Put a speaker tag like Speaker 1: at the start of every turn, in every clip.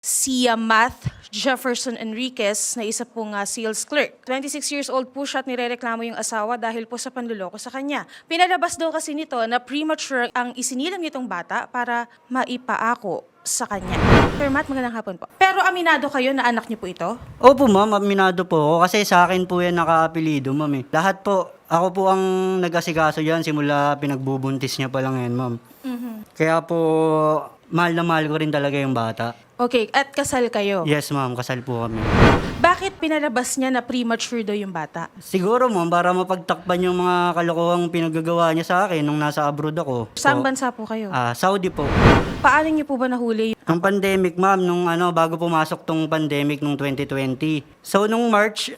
Speaker 1: si Math Jefferson Enriquez na isa pong sales clerk. 26 years old po siya at nirereklamo yung asawa dahil po sa panluloko sa kanya. Pinalabas daw kasi nito na premature ang isinilang nitong bata para maipaako sa kanya. Sir Matt, magandang hapon po. Pero aminado kayo na anak niyo po ito?
Speaker 2: Opo ma'am, aminado po ako kasi sa akin po yan naka-apelido ma'am eh. Lahat po, ako po ang nag-asikaso yan simula pinagbubuntis niya pa lang yan ma'am. Kaya po, mahal na mahal ko rin talaga yung bata.
Speaker 1: Okay, at kasal kayo?
Speaker 2: Yes ma'am, kasal po kami.
Speaker 1: Bakit pinalabas niya na premature daw yung bata?
Speaker 2: Siguro ma'am, para mapagtakpan yung mga kalokohang pinagagawa niya sa akin nung nasa abroad ako.
Speaker 1: Saan bansa po kayo?
Speaker 2: Saudi po.
Speaker 1: Paano niyo po ba nahuli?
Speaker 2: Ang pandemic ma'am, nung bago pumasok tong pandemic nung 2020. So nung March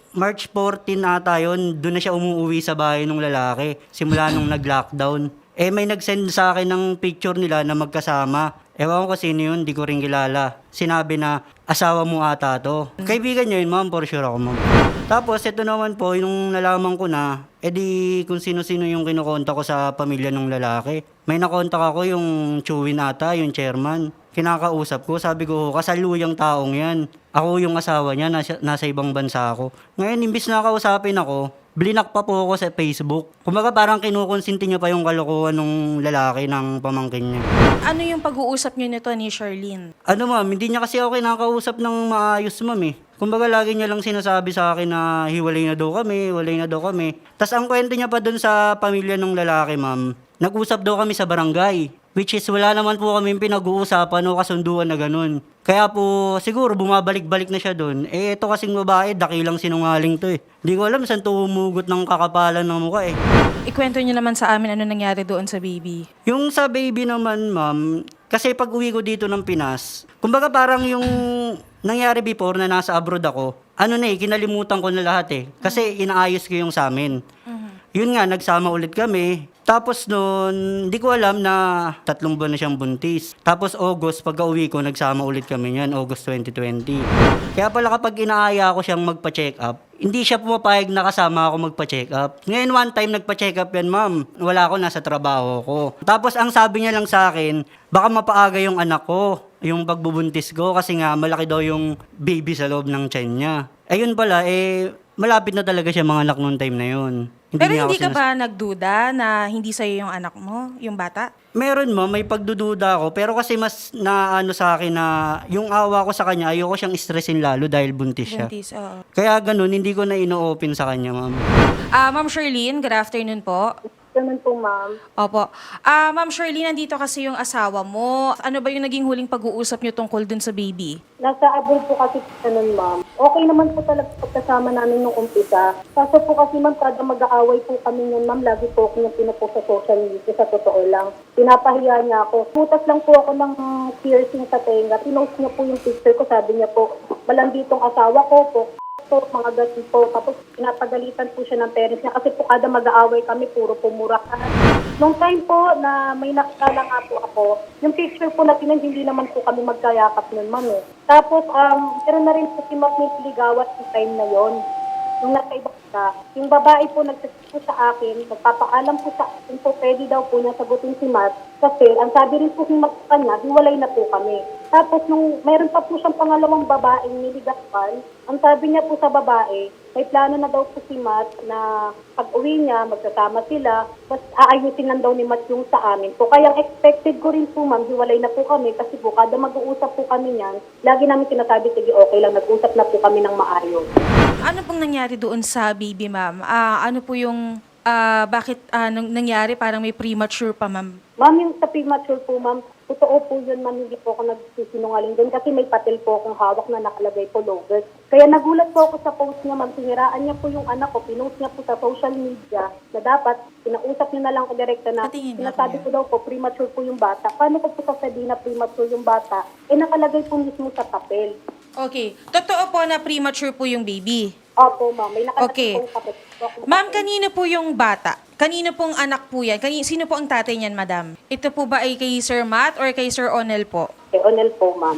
Speaker 2: 14 ata yun, doon na siya umuwi sa bahay ng lalaki. Simula nung nag-lockdown. May nag-send sa akin ng picture nila na magkasama. Ewan ko sino yun, di ko rin kilala. Sinabi na, asawa mo ata to. Kaibigan niya yun ma'am, for sure ako ma'am. Tapos ito naman po, yung nalaman ko na, edi kung sino-sino yung kinukontak ko sa pamilya ng lalaki. May nakontak ako yung Chewin ata, yung chairman. Kinakausap ko, sabi ko, kasaluyang taong yan. Ako yung asawa niya, nasa ibang bansa ako. Ngayon, imbis na kausapin ako, blinak pa po ako sa Facebook. Kumbaga parang kinukonsinti niya pa yung kalokohan ng lalaki ng pamangkin niya.
Speaker 1: Ano yung pag-uusap niyo nito ni Charlene?
Speaker 2: Ano ma'am, hindi niya kasi ako kinakausap ng maayos ma'am eh. Kumbaga lagi niya lang sinasabi sa akin na hiwalay na daw kami. Tas ang kwento niya pa dun sa pamilya ng lalaki ma'am, nag-usap daw kami sa barangay. Which is wala naman po kami pinag-uusapan o kasunduan na ganun. Kaya po siguro bumabalik-balik na siya doon. Ito kasing babae, dakilang sinungaling to eh. Hindi ko alam saan to humugot ng kakapalan ng mukha eh.
Speaker 1: Ikwento niyo naman sa amin ano nangyari doon sa baby.
Speaker 2: Yung sa baby naman ma'am, kasi pag uwi ko dito ng Pinas, kumbaga parang yung nangyari before na nasa abroad ako, kinalimutan ko na lahat eh. Kasi inaayos ko yung sa amin. Yun nga, nagsama ulit kami. Tapos noon, hindi ko alam na 3 buwan na siyang buntis. Tapos August, pagka-uwi ko, nagsama ulit kami niyan, August 2020. Kaya pala kapag inaaya ko siyang magpa-check up, hindi siya pumapayag na kasama ako magpa-check up. Ngayon one time nagpa-check up yan, ma'am. Wala ako, nasa trabaho ko. Tapos ang sabi niya lang sa akin, baka mapaaga yung anak ko, yung pagbubuntis ko, kasi nga malaki daw yung baby sa loob ng tiyan niya. Ayun pala, malapit na talaga siya mga anak noong time na yun.
Speaker 1: Pero hindi ka ba nagduda na hindi sa'yo yung anak mo, yung bata?
Speaker 2: Meron mo, may pagdududa ako. Pero kasi mas naano sa akin na yung awa ko sa kanya, ayoko siyang stressin lalo dahil buntis siya.
Speaker 1: Buntis, oo.
Speaker 2: Kaya ganun, hindi ko na ino-open sa kanya, ma'am.
Speaker 1: Ma'am Charlene, good afternoon po.
Speaker 3: Ganun po, ma'am.
Speaker 1: Opo. Ma'am Charlene, nandito kasi yung asawa mo. Ano ba yung naging huling pag-uusap niyo tungkol dun sa baby?
Speaker 3: Nasa abroad po kasi ganun, ma'am. Okay naman po talaga pagkasama namin nung umpisa. Kaso po kasi, ma'am, kada mag-aaway po kami yun, ma'am. Lagi po ako yung pinupost sa social media, sa totoo lang. Pinapahiya niya ako. Putas lang po ako ng piercing sa tenga. Pinost niya po yung picture ko. Sabi niya po, malambitong asawa ko po. Mga ganun po. Tapos pinapagalitan po siya ng parents niya kasi po kada mag-aaway kami, puro pumurakan. Nung time po na may nakilala nga po ako, yung picture po na hindi naman po kami magkayakap nun, ma'am eh. Tapos, pero na rin po si Matt may ligawas yung time na yon. Yung nasa iba ka, yung babae po nagsasabi po sa akin, nagpapaalam po sa akin po, pwede daw po niya sagutin si Matt. Kasi ang sabi rin po ni Matt sa kanya, hiwalay na po kami. Tapos nung mayroon pa po siyang pangalawang babaeng niligawan, ang sabi niya po sa babae, may plano na daw po si Matt na pag-uwi niya, magsasama sila, tapos aayusin lang daw ni Matt yung sa amin. So kaya expected ko rin po, ma'am, hiwalay na po kami kasi po kada mag-uusap po kami niyan, lagi namin sinasabi, sige okay lang, nag-usap na po kami ng maayos.
Speaker 1: Ano pong nangyari doon sa baby, ma'am? Ano po yung, bakit nangyari parang may premature pa, ma'am?
Speaker 3: Ma'am, yung sa premature po, ma'am, totoo po yun, ma'am, hindi po ako nagsisinungaling doon kasi may patil po akong hawak na nakalagay po Lourdes. Kaya nagulat po ako sa post niya, ma'am, siniraan niya po yung anak ko, pinost niya po sa social media na dapat, pinausap niya na lang ko direkta na, sinasabi ko daw po, premature po yung bata. Paano ko po sasabihin na premature yung bata? Nakalagay po mismo sa papel.
Speaker 1: Okay. Totoo po na premature po yung baby?
Speaker 3: Opo, ma'am, may nakalagay
Speaker 1: Okay.
Speaker 3: po papel.
Speaker 1: Ma'am, kanino po yung bata? Kanino pong anak po yan? Sino po ang tatay niyan, madam? Ito po ba ay kay Sir Matt or kay Sir Onel po?
Speaker 3: Kay Onel po, ma'am.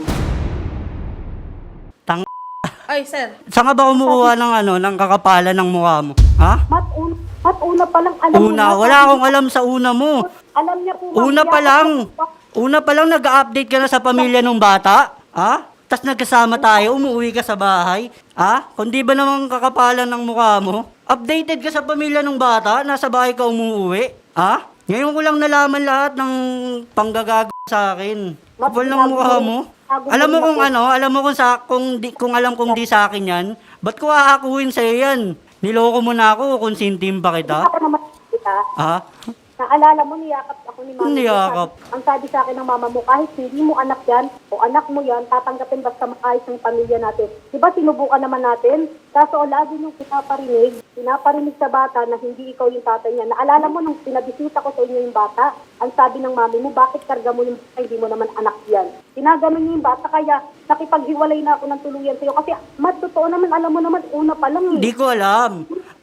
Speaker 1: Ay, sir.
Speaker 2: Saan ka ba kumukuha ng kakapalan ng mukha mo? Ha?
Speaker 3: Mat, una pa lang alam
Speaker 2: Una,
Speaker 3: mo.
Speaker 2: wala akong alam sa una mo.
Speaker 3: Alam niya po, ma'am.
Speaker 2: Una pa lang nag-update ka na sa pamilya ng bata? Ha? Tas nagkasama tayo, umuwi ka sa bahay. Kung di ba naman kakapalan ng mukha mo? Updated ka sa pamilya ng bata, nasa bahay ka umuwi. Ngayon ko lang nalaman lahat ng panggagago sa akin. Kapal ng mukha mo. Alam mo kung ano, alam mo kung alam kong di sa akin yan, ba't ko aakuin sa'yo yan? Niloko mo na ako, konsintim pa kita.
Speaker 3: Ako naman kita. Naalala mo, niyakap ako ni mama.
Speaker 2: Niyakap.
Speaker 3: Ang sabi sa akin ng mama mo, kahit hindi mo anak yan, o anak mo yan, tatanggapin basta maayos ng pamilya natin. Diba sinubukan naman natin? Kaso lagi nung pinaparinig sa bata na hindi ikaw yung tatay niya. Naalala mo nung pinabisita ko sa inyo yung bata, ang sabi ng mami mo, bakit karga mo yung bata, hindi mo naman anak yan. Tinaganon niyo yung bata, kaya nakipaghiwalay na ako ng tuluyan sa'yo. Kasi totoo naman, alam mo naman, una pa lang.
Speaker 2: Hindi ko alam.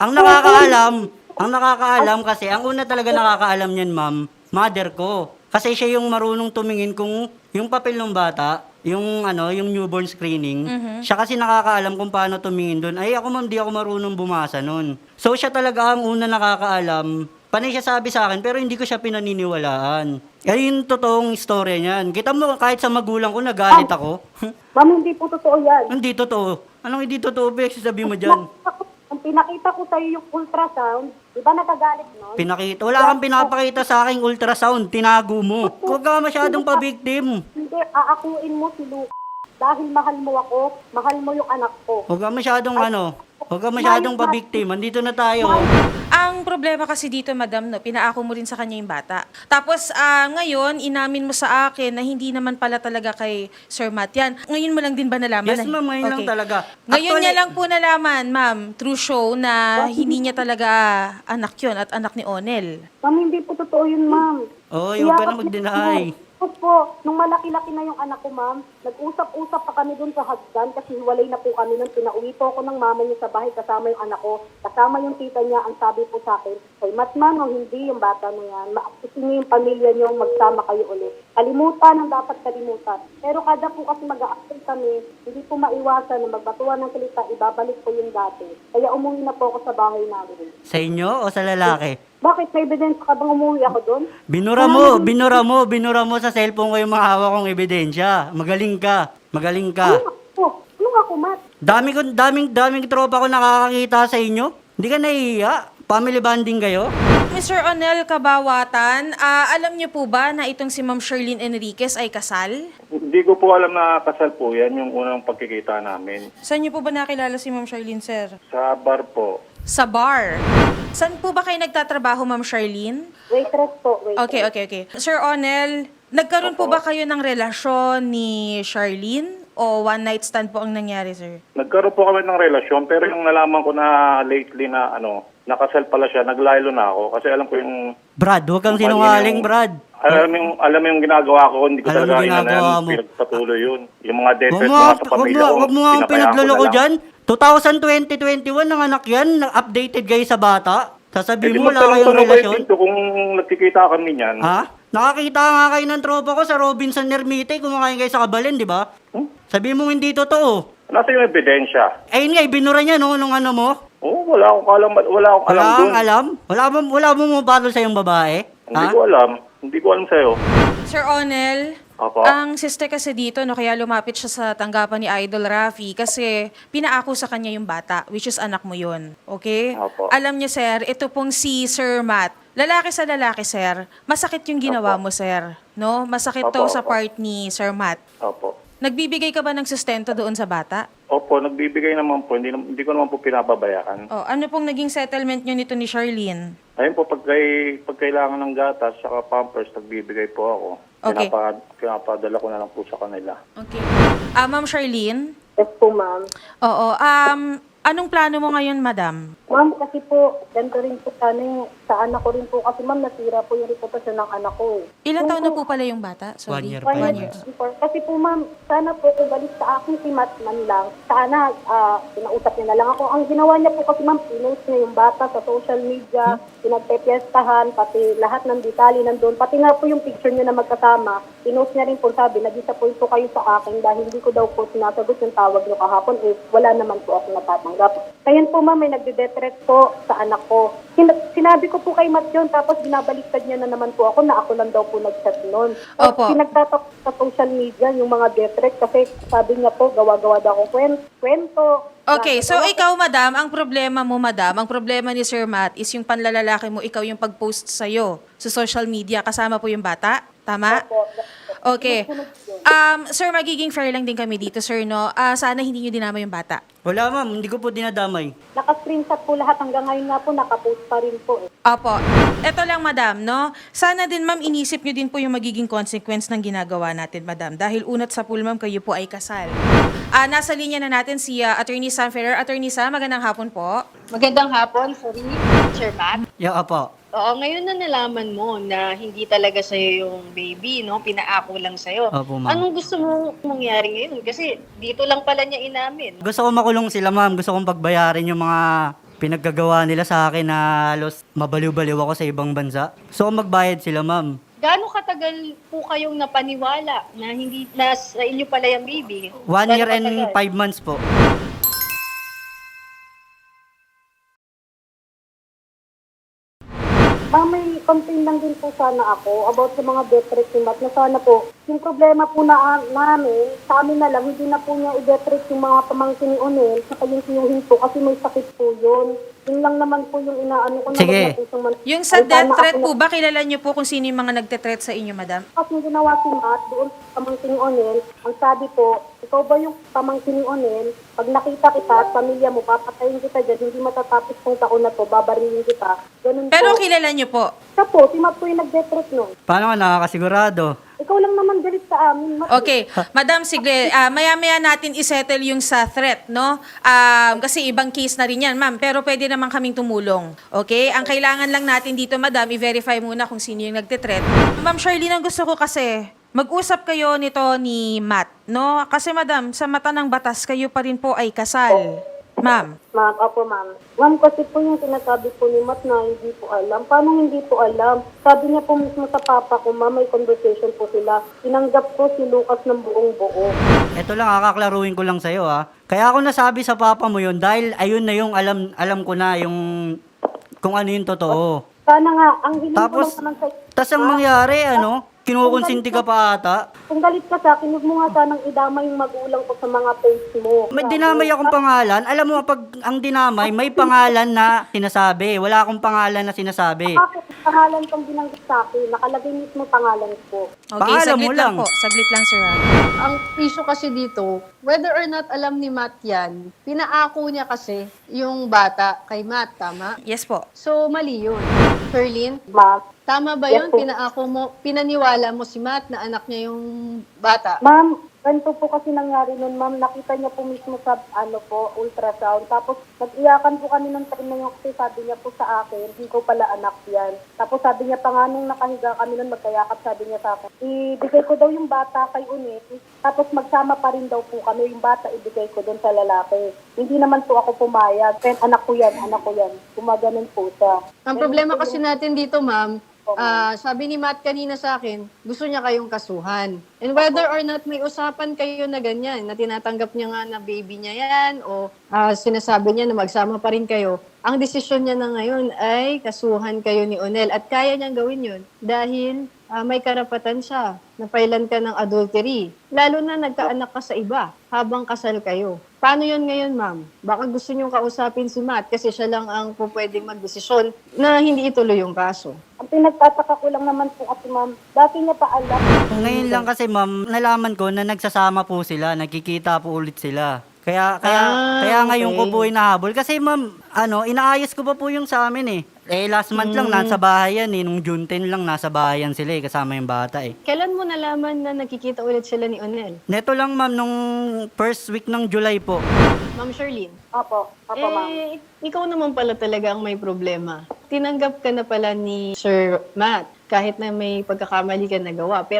Speaker 2: Ang nakakaalam kasi, ang una talaga nakakaalam niyan, ma'am, mother ko. Kasi siya yung marunong tumingin kung yung papel ng bata, yung newborn screening, siya kasi nakakaalam kung paano tumingin doon. Ay, ako ma'am, di ako marunong bumasa noon. So, siya talaga ang una nakakaalam. Panay siya sabi sa akin, pero hindi ko siya pinaniniwalaan. Yan yung totoong istorya niyan. Kita mo, kahit sa magulang ko, nagalit ako.
Speaker 3: Ma'am, hindi po totoo yan.
Speaker 2: Hindi totoo. Anong hindi totoo, Bex? Sabi mo dyan.
Speaker 3: Ang pinakita ko sa'yo yung ultrasound, di ba nagagalit nun?
Speaker 2: Wala kang pinapakita sa aking ultrasound. Tinago mo. Huwag ka masyadong pa-victim.
Speaker 3: Hindi, aakuin mo si Luke. Dahil mahal mo ako, mahal mo yung anak ko.
Speaker 2: Huwag ka masyadong pa-victim. Andito na tayo.
Speaker 1: Ang problema kasi dito, madam, no, pinaako mo rin sa kanya yung bata. Tapos, ngayon, inamin mo sa akin na hindi naman pala talaga kay Sir Matt yan. Ngayon mo lang din ba nalaman?
Speaker 2: Yes, ma'am. Ngayon lang talaga.
Speaker 1: Ngayon niya lang po nalaman, ma'am, through show, na hindi niya talaga anak yun at anak ni Onel.
Speaker 3: Ma'am, hindi po totoo yun, ma'am.
Speaker 2: Huwag ka na mag-deny.
Speaker 3: Po, nung malaki-laki na yung anak ko, ma'am, nag-usap-usap pa kami dun sa hagdan kasi hiwalay na po kami nung pinauwi po ako ng mama niya sa bahay kasama yung anak ko, kasama yung tita niya. Ang sabi po sa akin, ay Matman, o hindi yung bata na yan, maaktisin niyo yung pamilya niyo, magsama kayo ulit. Kalimutan ang dapat kalimutan. Pero kada po kasi mag-a-active kami, hindi po maiwasan na magbatuan ng salita, ibabalik po yung dati. Kaya umuwi na po ako sa bahay namin.
Speaker 2: Sa inyo o sa lalaki?
Speaker 3: Bakit? May ebidensya ka bang umuwi ako doon?
Speaker 2: Binura mo sa cellphone ko yung mga hawak kong ebidensya. Magaling ka.
Speaker 3: Ano ako, Matt?
Speaker 2: Daming tropa ko nakakakita sa inyo. Hindi ka nahihiya? Family bonding kayo?
Speaker 1: Mr. Onel Kabawatan, alam niyo po ba na itong si Ma'am Sherlyn Enriquez ay kasal?
Speaker 4: Hindi ko po alam na kasal po yan, yung unang pagkikita namin.
Speaker 1: Saan niyo po ba nakilala si Ma'am Sherlyn, sir?
Speaker 4: Sa bar po.
Speaker 1: Sa bar. Saan po ba kayo nagtatrabaho, Ma'am Sherlyn?
Speaker 3: Waitress po, waitress.
Speaker 1: Okay. Sir Onel, nagkaroon po ba kayo ng relasyon ni Sherlyn? O one night stand po ang nangyari, sir?
Speaker 4: Nagkaroon po kami ng relasyon, pero yung nalaman ko na lately na nakasal pala siya, naglaylo na ako. Kasi alam ko yung...
Speaker 2: Brad, huwag kang sinungaling, Brad.
Speaker 4: Alam mo yung ginagawa ko, hindi ko
Speaker 2: Alam mo
Speaker 4: talaga
Speaker 2: ginagawa mo.
Speaker 4: pinagpatuloy yun. Yung mga death threats mga sa pamilya ko,
Speaker 2: Huwag mo nga ang
Speaker 4: pinabayaan ko
Speaker 2: pinagloloko
Speaker 4: na lang.
Speaker 2: dyan. 2020-21 ng anak yan, updated kayo sa bata. Sasabihin mo, wala kayong
Speaker 4: magtanong-tanong
Speaker 2: relasyon.
Speaker 4: kayo dito kung nagkikita kami niyan.
Speaker 2: Nakakita nga kayo ng tropa ko sa Robinson Ermite, kumakain kayo sa Kabalen, di ba? Sabihin mo hindi totoo.
Speaker 4: Nasa yung ebidensya?
Speaker 2: Ayun nga, binura niya nung ano mo.
Speaker 4: Wala akong alam dun.
Speaker 2: Wala mo mabalo sa yung babae?
Speaker 4: Hindi ko alam sa'yo.
Speaker 1: Sir Onel,
Speaker 4: Opo.
Speaker 1: ang sister kasi dito, kaya lumapit siya sa tanggapan ni Idol Rafi kasi pinaako sa kanya yung bata, which is anak mo yun. Okay?
Speaker 4: Opo.
Speaker 1: Alam niyo, sir, ito pong si Sir Matt, lalaki sa lalaki, sir, masakit yung ginawa mo, sir. No? Masakit to
Speaker 4: Opo,
Speaker 1: sa
Speaker 4: opo.
Speaker 1: part ni Sir Matt.
Speaker 4: Opo.
Speaker 1: Nagbibigay ka ba ng sustento doon sa bata?
Speaker 4: Opo, nagbibigay naman po. Hindi ko naman po pinapabayaan.
Speaker 1: Ano pong naging settlement nyo nito ni Sherlyn?
Speaker 4: Ayun po, pag kailangan ng gatas saka pampers, nagbibigay po ako.
Speaker 1: Okay.
Speaker 4: Pinapadala ko na lang po sa kanila.
Speaker 1: Okay. Ma'am Sherlyn?
Speaker 3: Yes po, ma'am.
Speaker 1: Oo. Anong plano mo ngayon, madam?
Speaker 3: Ma'am, kasi po, ganito rin po sa anak ko rin po. Kasi ma'am, nasira po yung reputasyon ng anak ko.
Speaker 1: Ilang taon na po pala yung bata?
Speaker 2: 1 year
Speaker 1: One
Speaker 2: pa
Speaker 1: year.
Speaker 3: Before. Kasi po ma'am, sana po kung balik sa akin si Matt man lang, sana pinausap niya na lang ako. Ang ginawa niya po kasi ma'am, pinost niya yung bata sa social media, pinagpepiestahan, pati lahat ng detalye nandun, pati nga po yung picture niya na magkasama, pinost niya rin po, sabi, nag-disappoint po kayo sa akin dahil hindi ko daw po sinasagot yung tawag niyo kahapon, wala naman po ako natatanggap. Kaya po ma'am, may nagde-death threat po sa anak ko. Sinabi ko po kay Matt yun, tapos binabaliktad niya na naman po ako na ako lang daw po nag-chat nun.
Speaker 1: Opo.
Speaker 3: Pinagtatak sa social media yung mga death threat kasi sabi niya po, gawa-gawa daw akong kwento.
Speaker 1: Okay, so ikaw, madam, ang problema mo, madam, ang problema ni Sir Matt is yung panlalalaki mo, ikaw yung pag-post sa'yo sa social media, kasama po yung bata? Tama?
Speaker 3: Opo.
Speaker 1: Okay. Sir, magiging fair lang din kami dito, sir, no? Sana hindi nyo dinama yung bata.
Speaker 2: Wala ma'am, hindi ko po dinadamay.
Speaker 3: Naka-screenshot po lahat hanggang ngayon nga po, naka-post pa rin po eh.
Speaker 1: Opo. Ito lang, madam, no? Sana din, ma'am, inisip nyo din po yung magiging consequence ng ginagawa natin, madam. Dahil unat sa pool, ma'am, kayo po ay kasal. Nasa linya na natin si Attorney Sam Ferrer. Attorney Sam, magandang hapon po.
Speaker 5: Magandang hapon, sorry, Sir Matt.
Speaker 2: Yeah, apo.
Speaker 5: Oo, ngayon na nalaman mo na hindi talaga sa'yo yung baby, no? Pinaako lang sa'yo.
Speaker 2: Opo, ma'am.
Speaker 5: Anong gusto mong mangyari ngayon? Kasi dito lang pala niya inamin.
Speaker 2: Gusto ko makulong sila ma'am. Gusto kong pagbayarin yung mga pinaggagawa nila sa akin na halos mabaliw-baliw ako sa ibang bansa. Gusto ko magbayad sila ma'am.
Speaker 5: Gaano katagal po kayong napaniwala na hindi na sa inyo pala yung baby?
Speaker 2: 1 year
Speaker 5: Gaano
Speaker 2: and
Speaker 5: katagal?
Speaker 2: 5 months po.
Speaker 3: Ma'am, may complain lang din po sana ako about sa mga death threat ni Matt na sana po, yung problema po namin, sa amin na lang, hindi na po niya i-death threat yung mga pamangkin ni Onel, saka yung tiyuhin po kasi may sakit po yun. Yun lang naman po yung inaano ko na
Speaker 2: Sige.
Speaker 3: wag na po siyang
Speaker 1: Yung sa
Speaker 3: Ay,
Speaker 1: death
Speaker 3: sana
Speaker 1: threat
Speaker 3: ako
Speaker 1: po ba, kilala nyo po kung sino yung mga nagte-threat sa inyo, madam?
Speaker 3: At yung ginawa si Matt doon sa pamangkin ni Onel, ang sabi po, ikaw ba yung pamangkin ni Onel? Pag nakita kita at pamilya mo, papatayin kita dyan, hindi matatapos kong taon na to, babarilin kita. Ganun
Speaker 1: Pero
Speaker 3: po.
Speaker 1: kilala nyo po.
Speaker 3: Siya po, si Matt po yung nag-death threat nun.
Speaker 2: Paano ka nakakasigurado?
Speaker 3: Ikaw lang naman galit sa amin, Matt.
Speaker 1: Okay. Madam, sige, maya-maya natin isettle yung sa threat, no? Kasi ibang case na rin yan, ma'am. Pero pwede naman kaming tumulong. Okay? Ang kailangan lang natin dito, madam, i-verify muna kung sino yung nagte-threat. Ma'am Charlene, ang gusto ko kasi, mag-usap kayo nito ni Matt, no? Kasi, madam, sa mata ng batas, kayo pa rin po ay kasal. Ma'am.
Speaker 3: Ma'am, opo ma'am. Ma'am, kasi po yung sinasabi po ni Matt na hindi po alam. Paano hindi po alam? Sabi niya po mismo sa papa ko, ma'am, may conversation po sila. Tinanggap ko si Lucas ng buong buo.
Speaker 2: Ito lang, kakaklaruin ko lang sa'yo ha. Kaya ako nasabi sa papa mo yun dahil ayun na yung alam ko na yung kung ano yung totoo.
Speaker 3: Sana nga, ang hiling ko
Speaker 2: Tapos,
Speaker 3: lang naman sa...
Speaker 2: tas ang mangyari, kinukonsinti ka pa ata.
Speaker 3: Kung galit ka sa akin, huwag mo nga sanang idama yung magulang ko sa mga posts mo.
Speaker 2: May dinamay akong pangalan. Alam mo, pag ang dinamay, may pangalan na sinasabi. Wala akong pangalan na sinasabi.
Speaker 3: Bakit pangalan kang binanggit sa akin? Nakalagay mismo pangalan ko.
Speaker 1: Okay,
Speaker 2: Paalam
Speaker 1: saglit
Speaker 2: mo
Speaker 1: lang
Speaker 2: lang.
Speaker 1: po. Saglit lang, sir.
Speaker 5: Ang issue kasi dito, whether or not alam ni Matt yan, pinaako niya kasi yung bata kay Matt, tama?
Speaker 1: Yes po.
Speaker 5: So, mali yun. Sherlyn,
Speaker 3: Ma'am,
Speaker 5: tama ba
Speaker 3: Yes
Speaker 5: yun?
Speaker 3: po.
Speaker 5: Pinaako mo, pinaniwala mo si Matt na anak niya yung bata?
Speaker 3: ma'am, ganito po kasi nangyari nun, ma'am. Nakita niya po mismo sa, ultrasound. Tapos, nag-iyakan po kami ng time na yun kasi sabi niya po sa akin, hindi ko pala anak yan. Tapos sabi niya pa nga nung nakahiga kami nun, magkayakap, sabi niya sa akin, ibigay ko daw yung bata kay Unet. Tapos magsama pa rin daw po kami, yung bata ibigay ko doon sa lalaki. Hindi naman po ako pumayag. Then, anak ko yan. Gumaganon po siya.
Speaker 5: Ang problema kasi natin dito, ma'am, sabi ni Matt kanina sa akin, gusto niya kayong kasuhan. And whether or not may usapan kayo na ganyan, na tinatanggap niya nga na baby niya yan, o sinasabi niya na magsama pa rin kayo, ang desisyon niya na ngayon ay kasuhan kayo ni Onel. At kaya niyang gawin yun dahil may karapatan siya na pailan ka ng adultery. Lalo na nagkaanak ka sa iba habang kasal kayo. Paano yun ngayon, ma'am? Baka gusto niyong kausapin si Matt kasi siya lang ang pwedeng magdesisyon na hindi ituloy yung kaso.
Speaker 3: Ang pinagtataka ko lang naman po kasi, ma'am, dati niya pa alam.
Speaker 2: Ngayon lang kasi ma'am, nalaman ko na nagsasama po sila, nagkikita po ulit sila. Kaya ngayon ko
Speaker 5: okay.
Speaker 2: po inahabol. Kasi ma'am, inaayos ko pa po yung sa amin eh. Last month lang nasa bahay yan eh. Nung June 10 lang nasa bahay yan sila eh, kasama yung bata eh.
Speaker 5: Kailan mo nalaman na nagkikita ulit sila ni Onel?
Speaker 2: Neto lang ma'am, nung first week ng July po.
Speaker 5: Ma'am Sherlyn?
Speaker 3: Opo, ma'am.
Speaker 5: Ikaw naman pala talaga ang may problema. Tinanggap ka na pala ni Sir Matt kahit na may pagkakamali ka nagawa. Pero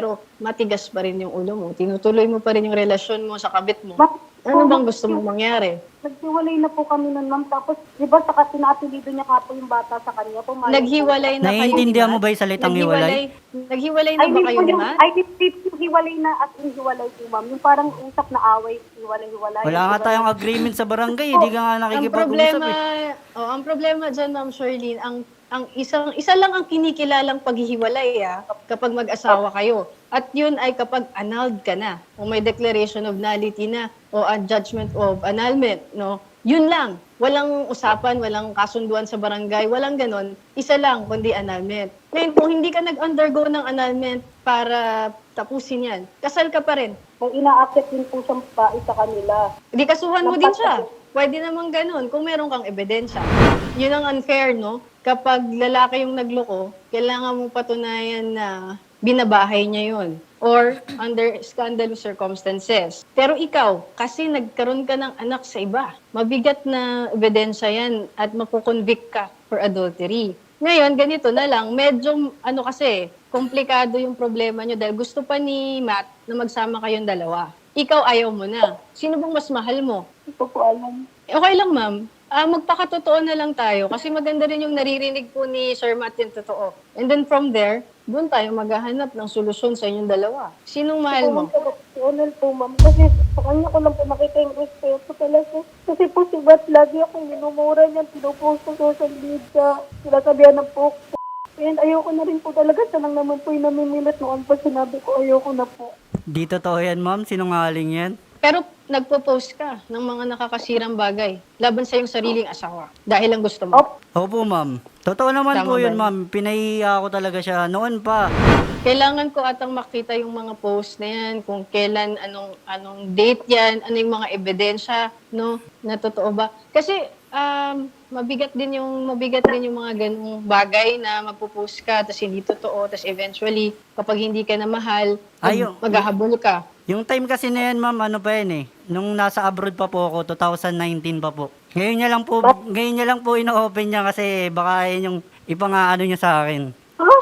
Speaker 5: matigas pa rin yung ulo mo. Tinutuloy mo pa rin yung relasyon mo sa kabit mo.
Speaker 3: Bakit
Speaker 5: Ano bang gusto mong mangyari?
Speaker 3: Naghiwalay na po kami nun, ma'am. Tapos, di ba, saka pinapilido niya nga po yung bata sa kanya. Pumayag
Speaker 5: Naghiwalay na kayo,
Speaker 2: Naiintindihan
Speaker 5: di ba?
Speaker 2: mo ba yung salitang hiwalay?
Speaker 5: Naghiwalay na
Speaker 3: Ay,
Speaker 5: ba
Speaker 3: hindi
Speaker 5: kayo
Speaker 3: po
Speaker 5: ni
Speaker 3: yung,
Speaker 5: Matt?
Speaker 3: ay, hindi po hiwalay na at hiwalay po, ma'am. Yung parang usap na away, hiwalay.
Speaker 2: Wala nga tayong agreement sa barangay, hindi ka nga
Speaker 5: Ang
Speaker 2: nakikipag-usap
Speaker 5: problema,
Speaker 2: eh.
Speaker 5: ang problema diyan, Ma'am Shirlene, ang isa lang ang kinikilalang paghihiwalay kapag mag-asawa kayo. At yun ay kapag annulled ka na, o may declaration of nullity na, o a judgment of annulment, no? Yun lang. Walang usapan, walang kasunduan sa barangay, walang ganon. Isa lang, kundi annulment. Ngayon, kung hindi ka nag-undergo ng annulment para tapusin yan, kasal ka pa rin.
Speaker 3: Kung ina-accept din po siyang babae sa kanila.
Speaker 5: Di kasuhan mo din siya. Pwede namang ganun kung meron kang ebidensya. Yun ang unfair, no? Kapag lalaki yung nagloko, kailangan mong patunayan na binabahay niya yun or under scandalous circumstances. Pero ikaw, kasi nagkaroon ka ng anak sa iba, mabigat na ebidensya yan at makukonvict ka for adultery. Ngayon, ganito na lang, medyo kasi, komplikado yung problema nyo dahil gusto pa ni Matt na magsama kayong dalawa. Ikaw ayaw mo na. Sino bang mas mahal mo?
Speaker 3: Hindi ko po alam.
Speaker 5: Okay lang, ma'am. Magpakatotoo na lang tayo kasi maganda rin yung naririnig po ni Sir Matt yung totoo. And then from there, doon tayo maghahanap ng solusyon sa inyong dalawa. Sinong mahal mo?
Speaker 3: Si Onel po, ma'am. Kasi sa kanya ko lang po nakita yung respeto talaga. Kasi po si Bat lagi akong minumura niya, pinupost sa social media. Sinasabihan ng po. And ayoko na rin po talaga. Siya lang naman po yung namimilit noon pa sinabi ko, ayoko na po.
Speaker 2: Di totoo yan, ma'am. Sinungaling yan.
Speaker 5: Pero nagpo-post ka ng mga nakakasirang bagay laban sa iyong sariling asawa dahil lang gusto mo.
Speaker 2: Opo, ma'am. Totoo naman
Speaker 5: Tama
Speaker 2: po
Speaker 5: ba
Speaker 2: yun,
Speaker 5: yun?
Speaker 2: ma'am. Pinahiya ko talaga siya noon pa.
Speaker 5: Kailangan ko atang makita yung mga post na yan, kung kailan, anong date yan, ano yung mga ebidensya, no, na totoo ba. Kasi mabigat din yung mga ganung bagay na magpo-post ka, tapos hindi totoo, tapos eventually, kapag hindi ka na mahal, maghahabol ka.
Speaker 2: Yung time kasi na yan, ma'am, ano pa yan eh. Nung nasa abroad pa po ako, 2019 pa po. Ngayon niya lang po ino-open niya kasi baka yan yung ipangaano niya sa akin.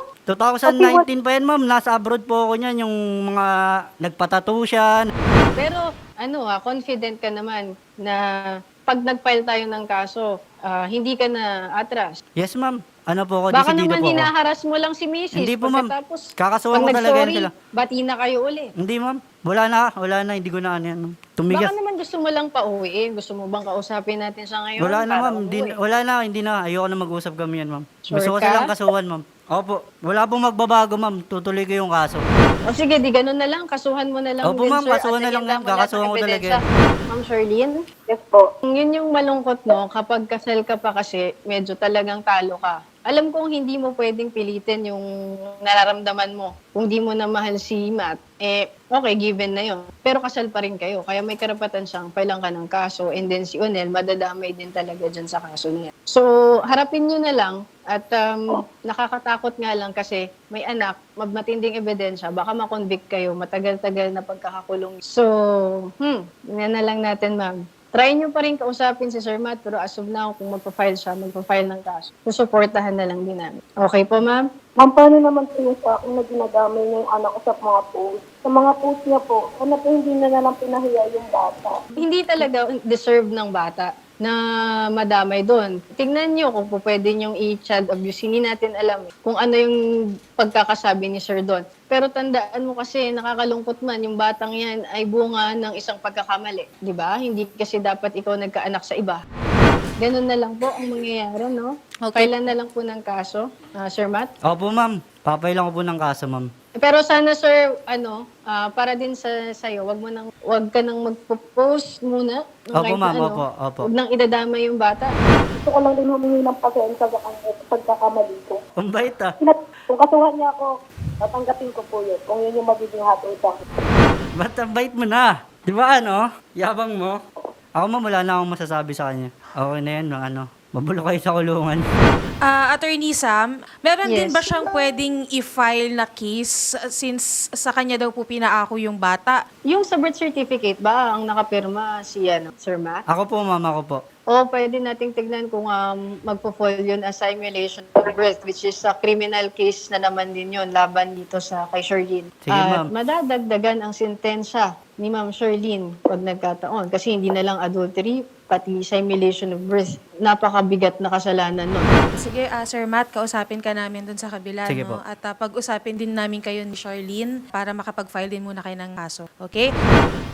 Speaker 2: 2019 pa yan, ma'am. Nasa abroad po ako niyan. Yung mga nagpatattoo siya.
Speaker 5: Pero confident ka naman na pag nag-file tayo ng kaso, hindi ka na atras.
Speaker 2: Yes, ma'am. Ano po ako,
Speaker 5: Baka
Speaker 2: desidido
Speaker 5: naman
Speaker 2: po ako.
Speaker 5: hinaharas mo lang si Mrs.
Speaker 2: Hindi po, ma'am.
Speaker 5: Pagkatapos,
Speaker 2: Kakasuhan
Speaker 5: pag
Speaker 2: ko talaga yan
Speaker 5: nag-sorry,
Speaker 2: sila.
Speaker 5: bati na kayo uli.
Speaker 2: Hindi, ma'am. Wala na. Hindi ko na ano yan, ma'am. Tumigas.
Speaker 5: Baka naman gusto mo lang pauwiin. Gusto mo bang kausapin natin siya ngayon?
Speaker 2: Wala na,
Speaker 5: para
Speaker 2: ma'am.
Speaker 5: umuwi?
Speaker 2: Hindi na. Ayoko na mag-usap kami yan, ma'am.
Speaker 5: Sure
Speaker 2: Gusto ko
Speaker 5: ka?
Speaker 2: silang kasuhan, ma'am. Opo. Wala pong magbabago, ma'am. Tutuloy ko yung kaso.
Speaker 5: O sige, di ganun na lang. Kasuhan mo na lang
Speaker 2: Opo,
Speaker 5: din,
Speaker 2: ma'am,
Speaker 5: sir.
Speaker 2: kasuhan
Speaker 5: At
Speaker 2: na lang
Speaker 5: lagyan
Speaker 2: yan.
Speaker 5: mo lahat ng
Speaker 2: Kakasuhan ko talaga
Speaker 5: ebidensya. Ma'am Charlene?
Speaker 3: Yes po.
Speaker 5: Yun yung malungkot, no? Kapag kasal ka pa kasi, medyo talagang talo ka. Alam kong hindi mo pwedeng pilitin yung nararamdaman mo. Kung di mo na mahal si Matt, okay, given na yun. Pero kasal pa rin kayo. Kaya may karapatan siyang pailang ka ng kaso. And then si Onel, madadamay din talaga dyan sa kaso niya. So, harapin nyo na lang. At nakakatakot nga lang kasi may anak, matinding ebidensya, baka makonvict kayo, matagal-tagal na pagkakakulong. So, yan na lang natin, ma'am. Try nyo pa rin kausapin si Sir Matt, pero as of now, kung magpa-file siya, magpa-file ng kaso. Susuportahan na lang din namin. Okay po, ma'am?
Speaker 3: Ma'am, paano naman po yung sa akin na ginadamay niya yung anak ko sa mga post? Sa mga post niya po, ano po hindi na lang pinahiya yung bata?
Speaker 5: Hindi talaga deserve ng bata na madamay doon. Tingnan nyo kung po pwede nyong i-child abuse. Hindi natin alam kung ano yung pagkakasabi ni Sir doon. Pero tandaan mo kasi, nakakalungkot man, yung batang yan ay bunga ng isang pagkakamali. Di ba? Hindi kasi dapat ikaw nagkaanak sa iba. Ganun na lang po ang mangyayari, no?
Speaker 1: Okay.
Speaker 5: Kailan na lang po ng kaso, Sir Matt?
Speaker 2: Opo, ma'am. Papailan ko po ng kaso, ma'am.
Speaker 5: Pero sana, sir, para din sa'yo, wag ka nang magpo-post muna. No,
Speaker 2: Opo,
Speaker 5: kahit na
Speaker 2: ma'am. Opo.
Speaker 5: Huwag nang idadama yung bata.
Speaker 3: Gusto ko lang din humingi ng pasensya sa kanya sa pagkakamali ko.
Speaker 2: Ang bait, ah.
Speaker 3: Kung kasuhan niya ako, tatanggapin ko po yun. Kung yun yung magiging hatutan.
Speaker 2: Ba't ang bait mo na? Di ba ano? Yabang mo. Ako, ma'am, wala na akong masasabi sa kanya. Okay na yan, mabulo kayo sa kulungan.
Speaker 1: Attorney Sam, meron din
Speaker 5: Yes.
Speaker 1: ba siyang pwedeng i-file na case since sa kanya daw po pinaako yung bata?
Speaker 5: Yung sa birth certificate ba, ang nakapirma si Sir Matt?
Speaker 2: Ako po, ma'am, ako po.
Speaker 5: O pwede nating tignan kung magpo-fall yun as simulation of birth, which is a criminal case na naman din yun laban dito sa kay Sherlyn.
Speaker 2: Sige,
Speaker 5: At
Speaker 2: ma'am.
Speaker 5: madadagdagan ang sentensya ni Ma'am Sherlyn pag nagkataon. Kasi hindi na lang adultery, pati simulation of birth. Napakabigat na kasalanan nun.
Speaker 1: Sige, Sir Matt, kausapin ka namin dun sa kabila.
Speaker 2: Sige
Speaker 1: No?
Speaker 2: po.
Speaker 1: At pag-usapin din namin kayo ni Charlene para makapag-file din muna kayo ng kaso. Okay?